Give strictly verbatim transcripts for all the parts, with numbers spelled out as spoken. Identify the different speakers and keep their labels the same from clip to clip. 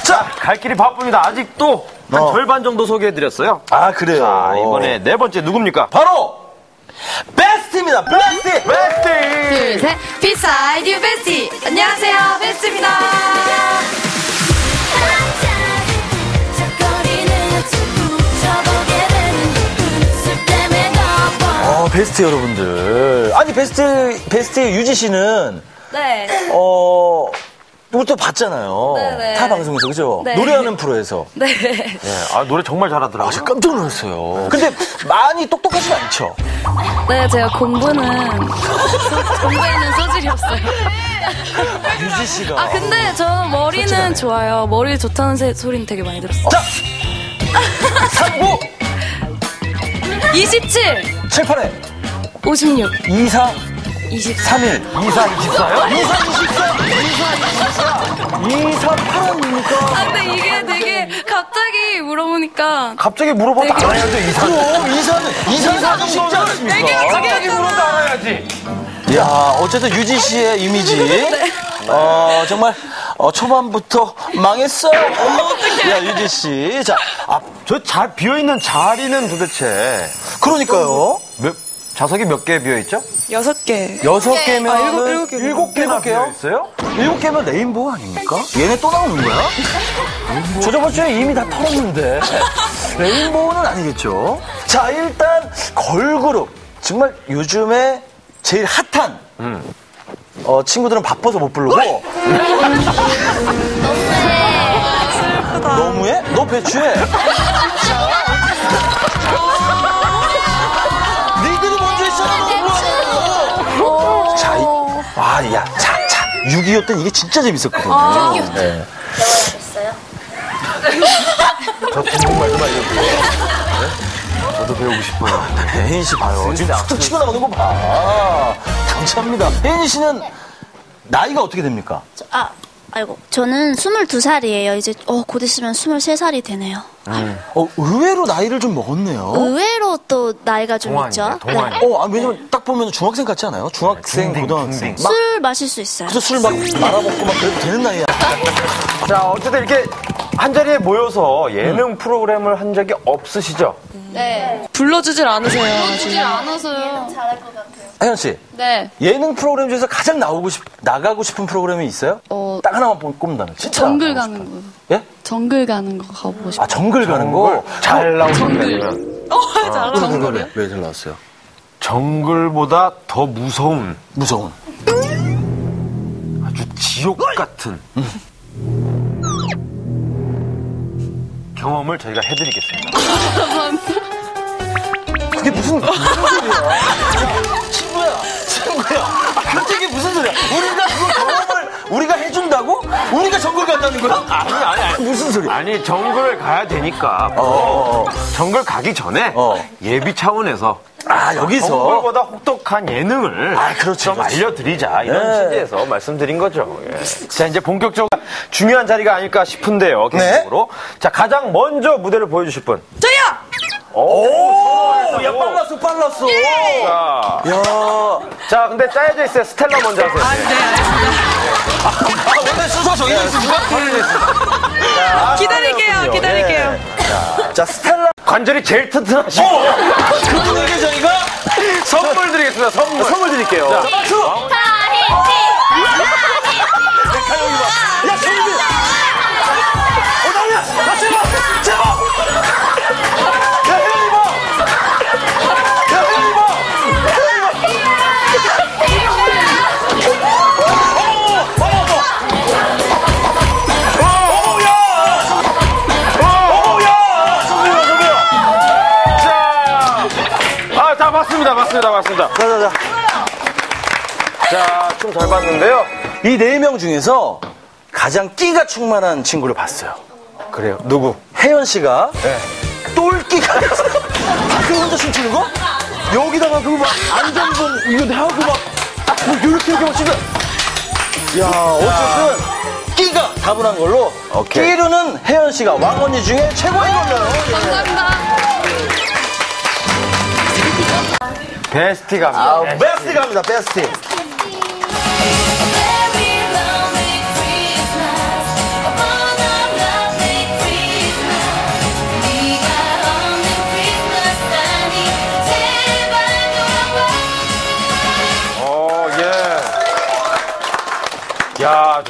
Speaker 1: 자, 갈 길이 바쁩니다. 아직도 한
Speaker 2: 어.
Speaker 1: 절반 정도 소개해드렸어요.
Speaker 2: 아, 그래요?
Speaker 1: 자, 이번에 네 번째 누굽니까?
Speaker 2: 바로 베스트입니다. 베스트.
Speaker 1: 베스트.
Speaker 3: 둘, 셋. 비사이드 유 베스티. 안녕하세요, 베스트입니다.
Speaker 2: 어, 베스트 여러분들. 아니, 베스트, 베스트 유지 씨는,
Speaker 3: 네.
Speaker 2: 어, 이걸 또 봤잖아요.
Speaker 3: 네네.
Speaker 2: 타 방송에서, 그죠?
Speaker 3: 네.
Speaker 2: 노래하는 프로에서.
Speaker 3: 네.
Speaker 1: 네, 아, 노래 정말 잘하더라고요.
Speaker 2: 아, 제가 깜짝 놀랐어요. 근데 많이 똑똑하진 않죠?
Speaker 3: 네, 제가 공부는, 공부에는 소질이 없어요.
Speaker 2: 유지 씨가.
Speaker 3: 아, 근데 저는 머리는
Speaker 2: 솔직하네.
Speaker 3: 좋아요. 머리 좋다는 세, 소리는 되게 많이 들었어요.
Speaker 2: 자! 삼구
Speaker 3: 이십칠,
Speaker 2: 칠팔에
Speaker 3: 오십육,
Speaker 2: 이사
Speaker 3: 이십사.
Speaker 2: 삼일 이사 이십사요? 이사 이십사 이사 이십사 이사 팔입니까?
Speaker 3: 아, 근데 이게 되게 갑자기 물어보니까.
Speaker 1: 갑자기 물어봐도
Speaker 3: 되게-
Speaker 1: 알아야죠, 이사.
Speaker 2: 그럼 이사는 이사는 쉽지 않습니까?
Speaker 1: 갑자기 물어도 알아야지.
Speaker 2: 야, 어쨌든 유지 씨의 이미지.
Speaker 3: 네.
Speaker 2: 어, 정말, 어, 초반부터 망했어. 야, 유지 씨. 자, 아,
Speaker 1: 저 자, 비어있는 자리는 도대체
Speaker 2: 그러니까요.
Speaker 1: 몇, 좌석이 몇 개 비어있죠?
Speaker 3: 여섯 개.
Speaker 2: 여섯 개면.
Speaker 3: 아, 일곱- 일곱 개.
Speaker 1: 일곱 개나
Speaker 2: 일곱 개요?
Speaker 1: 비어있어요?
Speaker 2: 일곱 개면 레인보우 아닙니까? 얘네 또 나오는 거야? 저 저번 주에 이미 다 털었는데. 레인보우는 아니겠죠? 자, 일단, 걸그룹. 정말 요즘에 제일 핫한.
Speaker 1: 음.
Speaker 2: 어, 친구들은 바빠서 못 부르고. 너무해? 너 배추해? 니들이 먼저 했잖아, 너 뭐하냐고. 자, 이, 와, 야, 자, 자. 육이오 때는 이게 진짜 재밌었거든요. 네.
Speaker 1: 저 중국말 좀 알려주세요. 네? 저도 배우고 싶어요.
Speaker 2: 혜인 씨 봐요. 지금 툭툭 치고 나오는 거 봐. 당차입니다. 혜인 씨는 나이가 어떻게 됩니까?
Speaker 4: 아, 아이고. 저는 스물두 살이에요. 이제, 어, 곧 있으면 스물세 살이 되네요.
Speaker 2: 어, 의외로 나이를 좀 먹었네요.
Speaker 4: 의외로 또 나이가 좀
Speaker 1: 동안이네,
Speaker 4: 있죠.
Speaker 1: 동안.
Speaker 4: 네.
Speaker 2: 어, 아, 왜냐면 딱 보면 중학생 같지 않아요? 중학생,
Speaker 1: 중딩,
Speaker 2: 고등학생.
Speaker 1: 중딩.
Speaker 2: 막,
Speaker 4: 술 마실 수 있어요.
Speaker 2: 그래서 술 막 말아먹고 막 그래도 되는 나이야.
Speaker 1: 자, 어쨌든 이렇게 한 자리에 모여서 예능 프로그램을 한 적이 없으시죠?
Speaker 3: 네. 불러주질 않으세요. 불러주질
Speaker 4: 않아서요.
Speaker 2: 혜연 씨,
Speaker 3: 네.
Speaker 2: 예능 프로그램 중에서 가장 나오고 싶, 나가고 싶은 프로그램이 있어요?
Speaker 3: 어,
Speaker 2: 딱 하나만 뽑- 꼽는다면. 진짜.
Speaker 3: 정글
Speaker 2: 나가고
Speaker 3: 가는
Speaker 2: 싶어요.
Speaker 3: 거.
Speaker 2: 예?
Speaker 3: 정글 가는 거 가보고 싶어요.
Speaker 2: 아, 정글 가는 거?
Speaker 1: 잘 나오는
Speaker 3: 정글.
Speaker 1: 거면
Speaker 3: 어, 잘
Speaker 2: 왜,
Speaker 3: 정글이요?
Speaker 2: 왜, 왜 잘 나왔어요?
Speaker 1: 정글보다 더 무서운
Speaker 2: 무서운.
Speaker 1: 아주 지옥 같은 경험을 저희가 해드리겠습니다.
Speaker 2: 그게 무슨, 무슨 소리야? 야, 친구야, 친구야. 아, 그게 무슨 소리야? 우리가 그거 경험을 우리가 해준다고? 우리가 정글 간다는 거야?
Speaker 1: 아니, 아니, 아니.
Speaker 2: 무슨 소리야?
Speaker 1: 아니, 정글 가야 되니까.
Speaker 2: 어, 어, 어.
Speaker 1: 정글 가기 전에
Speaker 2: 어.
Speaker 1: 예비 차원에서
Speaker 2: 아, 여기서.
Speaker 1: 정글보다 혹독한 예능을
Speaker 2: 아, 그렇지,
Speaker 1: 좀
Speaker 2: 그렇지.
Speaker 1: 알려드리자 이런
Speaker 2: 네.
Speaker 1: 취지에서 말씀드린 거죠. 예. 자, 이제 본격적으로 중요한 자리가 아닐까 싶은데요.
Speaker 2: 네.
Speaker 1: 개인적으로. 자, 가장 먼저 무대를 보여주실 분.
Speaker 3: 저요!
Speaker 2: 오, 야, 빨랐어, 빨랐어.
Speaker 1: 자,
Speaker 2: 야.
Speaker 1: 자, 근데 짜여져 있어요. 스텔라 먼저 하세요.
Speaker 3: 아, 네, 알겠습니다.
Speaker 2: 아, 원래 순서 정해져 있습니까?
Speaker 1: 자,
Speaker 3: 기다릴게요,
Speaker 1: 그렇군요.
Speaker 3: 기다릴게요.
Speaker 1: 예.
Speaker 2: 자, 스텔라.
Speaker 1: 관절이 제일 튼튼하시고
Speaker 2: 그분에게 저희가
Speaker 1: 선물 드리겠습니다. 선물. 선물 드릴게요. 자,
Speaker 2: 박수! 야, 정빈! 어, 나야! 나 제발! 제발! 야, 혜연이 봐! 야, 혜연이 봐!
Speaker 1: 아, 다 봤습니다. 맞습니다. 맞습니다.
Speaker 2: 자, 자, 자.
Speaker 1: 자, 춤 잘 봤는데요.
Speaker 2: 이 네 명 중에서 가장 끼가 충만한 친구를 봤어요.
Speaker 1: 그래요. 누구?
Speaker 2: 혜연 씨가 똘끼가 밖에 혼자 춤추는 거? 여기다가 그거 막 안전봉 이거 하고 막 뭐 이렇게 이렇게 막 치면 야 어쨌든 끼가 다분한 걸로
Speaker 1: 오케이.
Speaker 2: 끼로는 혜연 씨가 왕언니 중에 최고인 걸로.
Speaker 3: 감사합니다.
Speaker 1: 베스티 갑니다.
Speaker 2: 아, 베스트 갑니다 베스트.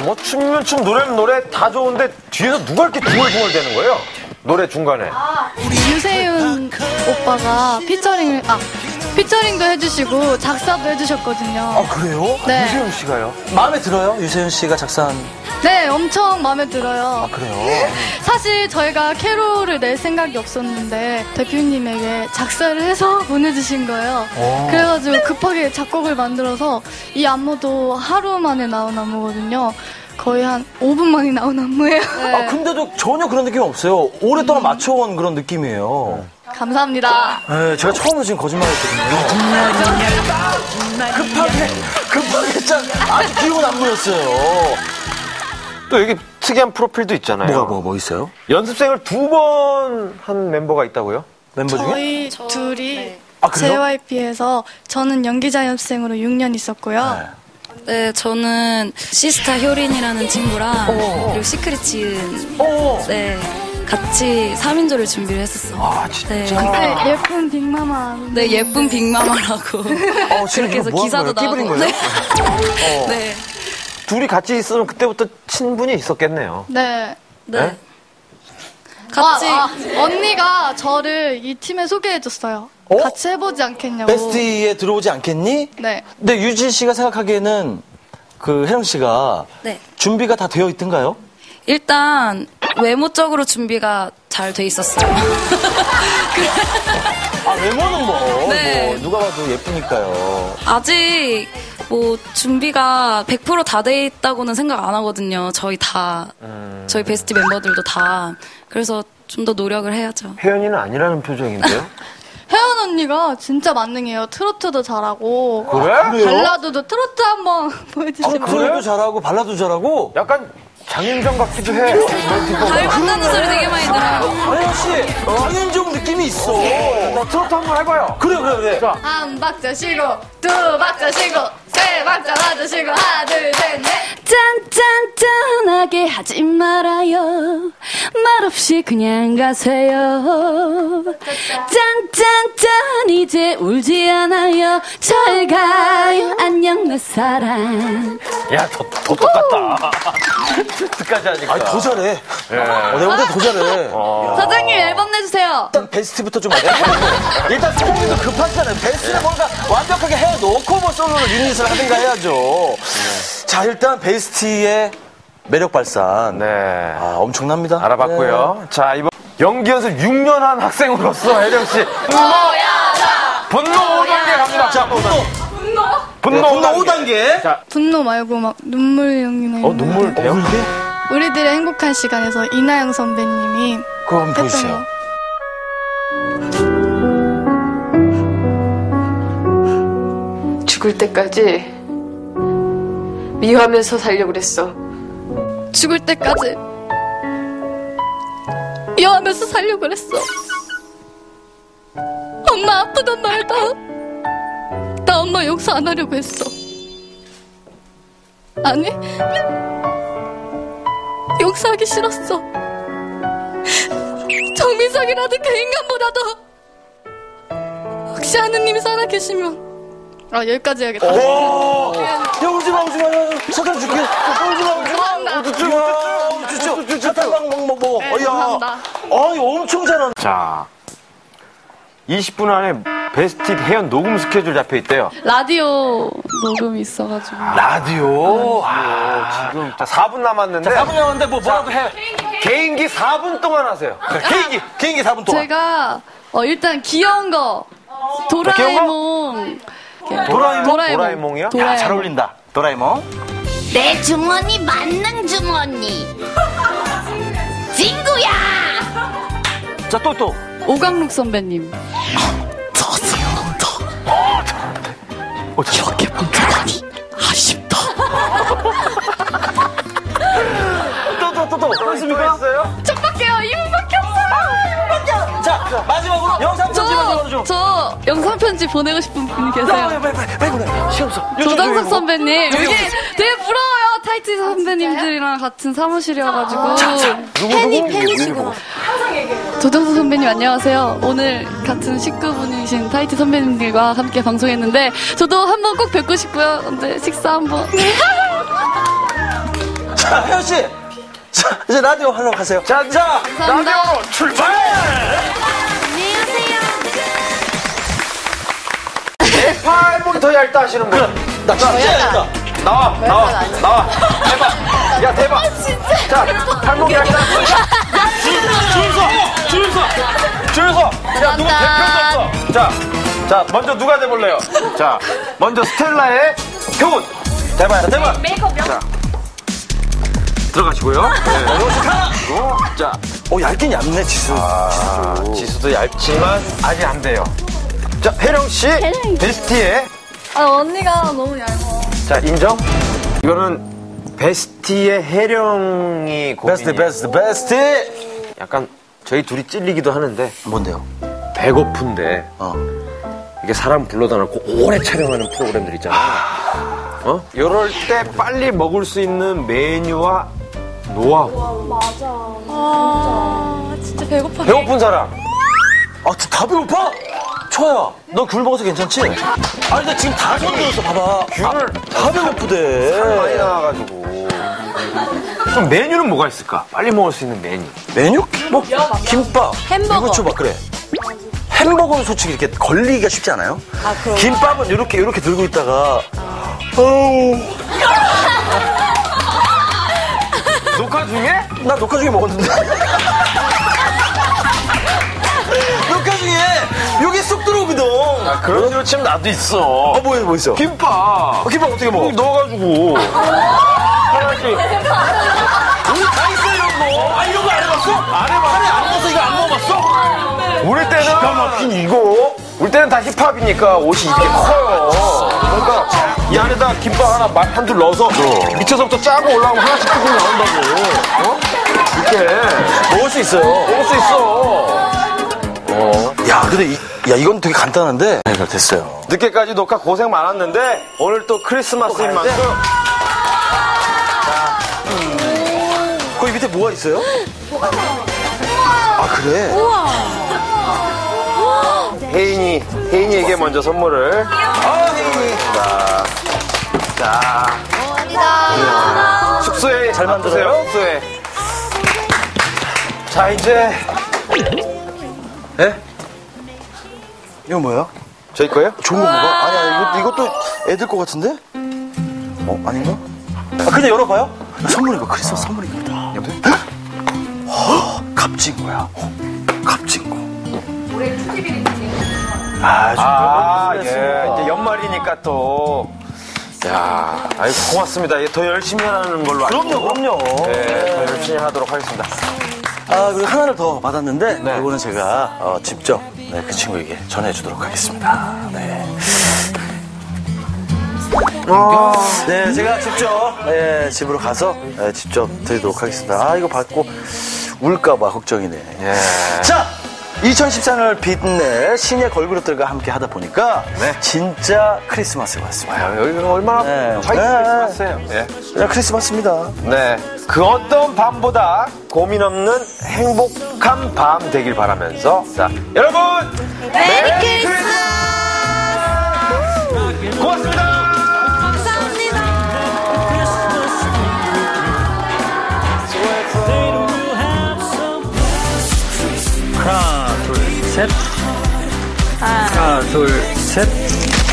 Speaker 1: 뭐 춤이면 춤, 노래면 노래 다 좋은데 뒤에서 누가 이렇게 중얼중얼 대는 거예요? 노래 중간에.
Speaker 3: 유세윤 오빠가 피처링을, 아, 피처링도 해주시고 작사도 해주셨거든요.
Speaker 2: 아, 그래요?
Speaker 3: 네.
Speaker 1: 유세윤 씨가요?
Speaker 2: 마음에 들어요? 유세윤 씨가 작사한.
Speaker 3: 네, 엄청 마음에 들어요.
Speaker 2: 아, 그래요?
Speaker 3: 사실 저희가 캐롤을 낼 생각이 없었는데 대표님에게 작사를 해서 보내주신 거예요.
Speaker 2: 오.
Speaker 3: 그래가지고 급하게 작곡을 만들어서 이 안무도 하루 만에 나온 안무거든요. 거의 한 오 분 만에 나온 안무예요. 네.
Speaker 2: 아, 근데도 전혀 그런 느낌이 없어요. 오랫동안 맞춰온 그런 느낌이에요.
Speaker 3: 감사합니다.
Speaker 2: 네, 제가 처음으로 지금 거짓말 했거든요. 급하게, 급하게 짠 아주 귀여운 안무였어요.
Speaker 1: 또 여기 특이한 프로필도 있잖아요.
Speaker 2: 뭐가, 뭐, 뭐 있어요?
Speaker 1: 연습생을 두 번 한 멤버가 있다고요?
Speaker 2: 멤버 중에?
Speaker 3: 저희 둘이
Speaker 2: 아, 그래요?
Speaker 3: 제이와이피에서 저는 연기자 연습생으로 육 년 있었고요.
Speaker 2: 네.
Speaker 5: 네, 저는 시스타 효린이라는 친구랑
Speaker 2: 오.
Speaker 5: 그리고 시크릿 지은
Speaker 2: 오.
Speaker 5: 네, 같이 삼 인조를 준비를 했었어요.
Speaker 2: 아, 진짜?
Speaker 5: 네,
Speaker 3: 네, 예쁜 빅마마.
Speaker 5: 네, 예쁜 빅마마라고
Speaker 2: 어, 지금
Speaker 5: 그렇게 해서
Speaker 2: 뭐
Speaker 5: 기사도
Speaker 2: 하는 거예요?
Speaker 5: 나오고.
Speaker 2: 끼부린 거예요?
Speaker 5: 네. 네.
Speaker 1: 둘이 같이 있으면 그때부터 친분이 있었겠네요.
Speaker 3: 네.
Speaker 5: 네.
Speaker 1: 네?
Speaker 5: 같이
Speaker 3: 아, 아, 언니가 저를 이 팀에 소개해줬어요.
Speaker 2: 어?
Speaker 3: 같이 해보지 않겠냐고.
Speaker 2: 베스트에 들어오지 않겠니?
Speaker 3: 네.
Speaker 2: 근데 유진 씨가 생각하기에는 그 혜령 씨가
Speaker 5: 네.
Speaker 2: 준비가 다 되어 있던가요?
Speaker 5: 일단 외모적으로 준비가 잘 돼 있었어요.
Speaker 2: 아, 외모는 뭐,
Speaker 5: 네.
Speaker 2: 뭐 누가 봐도 예쁘니까요.
Speaker 5: 아직 뭐 준비가 백 퍼센트 다 돼 있다고는 생각 안 하거든요. 저희 다
Speaker 1: 음...
Speaker 5: 저희 베스트 멤버들도 다. 그래서 좀 더 노력을 해야죠.
Speaker 1: 혜연이는 아니라는 표정인데요?
Speaker 3: 혜연 언니가 진짜 만능이에요. 트로트도 잘하고.
Speaker 1: 그래?
Speaker 2: 그래요?
Speaker 3: 발라드도 트로트 한번
Speaker 2: 아,
Speaker 3: 보여주시면.
Speaker 2: 트로트도 잘하고 발라도 잘하고.
Speaker 1: 약간 장윤정 같기도 해. 멘트가.
Speaker 5: 닮았다는 소리 되게 많이 들어요.
Speaker 2: 혜영 씨, 장윤정 느낌이 있어.
Speaker 1: 나 트로트 한번 해봐요.
Speaker 2: 그래, 그래, 그래.
Speaker 1: 자,
Speaker 3: 한 박자 쉬고, 두 박자 쉬고, 세 박자 맞으시고, 하나, 둘, 셋, 넷.
Speaker 6: 짠짠짠하게 하지 말아요. 말없이 그냥 가세요. 짠짠짠 이제 울지 않아요. 잘 가요. 안녕 내 사랑.
Speaker 1: 야, 더, 더 똑같다. 트로트까지 하니까.
Speaker 2: 아니, 더 잘해.
Speaker 1: 예.
Speaker 2: 어, 내가 볼때 더 잘해.
Speaker 1: 어.
Speaker 3: 사장님 앨범 내주세요.
Speaker 2: 일단 베스트부터 좀 해보고. 일단 사장님도 급하잖아요. 베스트를 뭔가 완벽하게 해놓고 뭐 솔로를 유닛을 하든가 해야죠. 자, 일단 베스트의 매력 발산.
Speaker 1: 네.
Speaker 2: 아, 엄청납니다.
Speaker 1: 알아봤고요. 자, 이번 연기 연습 육 년 한 학생으로서 혜령씨. 분노 오 단계 갑니다.
Speaker 2: 자, 분노.
Speaker 1: 분노
Speaker 2: 네,
Speaker 1: 오
Speaker 2: 분노
Speaker 1: 단계.
Speaker 2: 오 단계.
Speaker 1: 자,
Speaker 3: 분노 말고 막 눈물 연기나
Speaker 1: 어, 눈물 돼요?
Speaker 3: 우리들의 행복한 시간에서 이나영 선배님이
Speaker 2: 그거 한번
Speaker 3: 했던
Speaker 2: 보여주세요.
Speaker 3: 거.
Speaker 7: 죽을 때까지 미워하면서 살려고 그랬어.
Speaker 3: 죽을 때까지 미워하면서 살려고 그랬어. 엄마 아프단 말다. 나 엄마 용서 안 하려고 했어. 아니, 용서하기 싫었어. 정민석이라는 그 인간보다도 혹시 하느님이 살아계시면. 아, 여기까지 해야겠다.
Speaker 2: 오! 야, 울지 마, 울지 마. 사탕 줄게. 울지 마, 울지 마.
Speaker 3: 감사합니다.
Speaker 2: 울지 마. 울지 마. 사탕 막 먹어, 먹어.
Speaker 3: 네,
Speaker 2: 어, 야.
Speaker 3: 감사합니다.
Speaker 2: 아, 이거 엄청 잘하네.
Speaker 1: 자, 이십 분 안에 베스트 혜연 녹음 스케줄 잡혀 있대요.
Speaker 6: 라디오 녹음이 있어가지고.
Speaker 2: 라디오.
Speaker 1: 아, 지금 자, 사 분 남았는데.
Speaker 2: 사 분 남았는데 뭐 뭐라도 해.
Speaker 1: 개인기 사 분 동안 하세요.
Speaker 2: 개인기, 개인기 사 분 동안.
Speaker 6: 제가 어, 일단 귀여운 거 도라에몽.
Speaker 2: 도라에몽?
Speaker 1: 도라에몽이요?
Speaker 2: 야, 잘 어울린다. 도라에몽.
Speaker 4: 내 주머니 만능 주머니. 친구야.
Speaker 2: 자, 또, 또.
Speaker 6: 오강록 선배님.
Speaker 2: 이렇게 본다니 아쉽다. 또, 또, 또, 또. 또 있습니까?
Speaker 1: 있어요?
Speaker 3: 첫밖에요. 이 분밖에 없어요.
Speaker 2: 자, 자, 마지막으로 영상 편지 마지막으로 좀.
Speaker 6: 저 영상 편지 보내고 싶은 분이
Speaker 2: 빨리,
Speaker 6: 계세요.
Speaker 2: 빨리, 빨리, 빨리 보내. 시간 없어.
Speaker 6: 조정석 선배님.
Speaker 2: 여기,
Speaker 6: 여기
Speaker 2: 여기.
Speaker 6: 되게 부러워요. 타이트 선배님들이랑 같은 사무실이어가지고.
Speaker 2: 자, 자.
Speaker 4: 팬이 팬이시구나.
Speaker 6: 조정석 선배님 안녕하세요. 오늘 같은 식구분이신 타이트 선배님들과 함께 방송했는데 저도 한번 꼭 뵙고 싶고요. 근데 식사 한번.
Speaker 2: 자, 혜연 씨. 자, 이제 라디오 하러 가세요.
Speaker 1: 자, 자, 라디오로 출발! 내 팔목이 더 얇다 하시는 분.
Speaker 2: 나 진짜 얇다.
Speaker 1: 나와, 나와, 나와. 대박. 야, 대박. 자, 팔목이 얇다. 줄, 줄 서, 줄 서, 줄 서. 야, 누구 대표도 없어. 자, 자, 먼저 누가 돼볼래요? 자, 먼저 스텔라의 표훈. 대박, 대박. 메이크업 자, 들어가시고요. 네. 그리고, 자,
Speaker 2: 어, 얇긴 얇네, 지수.
Speaker 1: 아, 지수도 얇지만 아직 안 돼요. 자, 혜령 씨, 베스티의
Speaker 3: 아, 언니가 너무 얇아.
Speaker 1: 자, 인정? 이거는 베스티의 혜령이 고민이
Speaker 2: 베스트, 베스트, 베스트.
Speaker 1: 약간 저희 둘이 찔리기도 하는데
Speaker 2: 뭔데요?
Speaker 1: 배고픈데
Speaker 2: 어.
Speaker 1: 이게 사람 불러다 놓고 오래 촬영하는 프로그램들 있잖아요. 어? 이럴 때 빨리 먹을 수 있는 메뉴와 노하우.
Speaker 3: 아, 진짜 배고파.
Speaker 1: 배고픈 사람.
Speaker 2: 아, 저 다 배고파? 초아야, 너 귤 먹어서 괜찮지? 아니, 나 지금 다 손들었어, 봐봐.
Speaker 1: 귤을
Speaker 2: 다 배고프대.
Speaker 1: 많이 나와가지고. 그럼 메뉴는 뭐가 있을까? 빨리 먹을 수 있는 메뉴.
Speaker 2: 메뉴? 뭐, 김밥.
Speaker 5: 햄버거.
Speaker 2: 유부초밥, 그래. 햄버거는 솔직히 이렇게 걸리기가 쉽지 않아요?
Speaker 5: 아, 그럼.
Speaker 2: 김밥은 이렇게, 이렇게 들고 있다가, 어우.
Speaker 1: 녹화 중에?
Speaker 2: 나 녹화 중에 먹었는데. 녹화 중에 여기 쏙 들어오거든.
Speaker 1: 아, 그런 식으로 치면 나도 있어.
Speaker 2: 어, 뭐, 뭐 있어?
Speaker 1: 김밥.
Speaker 2: 어, 김밥 어떻게 먹어?
Speaker 1: 여기 넣어가지고. 하나씩.
Speaker 2: 우리 다 있어, 이런 거. 아, 이런 거 안 해봤어?
Speaker 1: 안 해봐.
Speaker 2: 하루에 안 먹어서 이거 안 먹어봤어?
Speaker 1: 우리 때는. 기가 막힌 이거. 우리 때는 다 힙합이니까 옷이 이렇게 커요. 그러니까 이 안에다 김밥 하나 한 줄 넣어서 밑에서부터 짜고 올라오면 하나씩 뜯고 나온다고. 어? 이렇게.
Speaker 2: 먹을 수 있어요.
Speaker 1: 먹을 수 있어. 어.
Speaker 2: 야, 근데 이, 야, 이건 되게 간단한데. 네, 됐어요.
Speaker 1: 늦게까지 녹화 고생 많았는데 오늘 또 크리스마스인 만큼
Speaker 2: 거기 밑에 뭐가 있어요? 아, 그래?
Speaker 1: 혜인이, 혜인이에게 먼저 선물을.
Speaker 2: 아, 혜인이.
Speaker 1: 자, 자. 감사합니다. 숙소에
Speaker 2: 잘
Speaker 1: 놔두세요,
Speaker 2: 만들어요?
Speaker 1: 숙소에. 자, 이제. 예?
Speaker 2: 이거 뭐야?
Speaker 1: 저희 거예요?
Speaker 2: 좋은 거 뭐가? 아니야, 이거, 이것도 애들 거 같은데? 어, 아닌가? 아, 그냥 열어봐요? 선물인가? 크리스마스 선물인가? 여보세요? 헉, 값진 거야. 어, 값진 거. 아,
Speaker 1: 아,
Speaker 2: 좀
Speaker 1: 예. 이제 연말이니까 또. 야, 아이 고맙습니다. 예, 더 열심히 하는 걸로 알고.
Speaker 2: 그럼요, 그럼요.
Speaker 1: 네, 더 열심히 하도록 하겠습니다.
Speaker 2: 아, 그리고 하나를 더 받았는데,
Speaker 1: 네.
Speaker 2: 이거는 제가 어, 직접 네, 그 친구에게 전해주도록 하겠습니다. 네. 네, 제가 직접 네, 집으로 가서 네, 직접 드리도록 하겠습니다. 아, 이거 받고 울까봐 걱정이네.
Speaker 1: 예.
Speaker 2: 자, 이천십사 년을 빛낼 신예 걸그룹들과 함께 하다 보니까
Speaker 1: 네.
Speaker 2: 진짜 크리스마스가 왔습니다.
Speaker 1: 아, 여기가 얼마나
Speaker 2: 네.
Speaker 1: 화이트
Speaker 2: 네.
Speaker 1: 크리스마스예요. 예.
Speaker 2: 그냥 크리스마스입니다.
Speaker 1: 네. 그 어떤 밤보다 고민 없는 행복한 밤 되길 바라면서. 자, 여러분! 메리 크리스마스! 고맙습니다!
Speaker 2: 하나, 둘, 셋. 하나, 둘, 셋.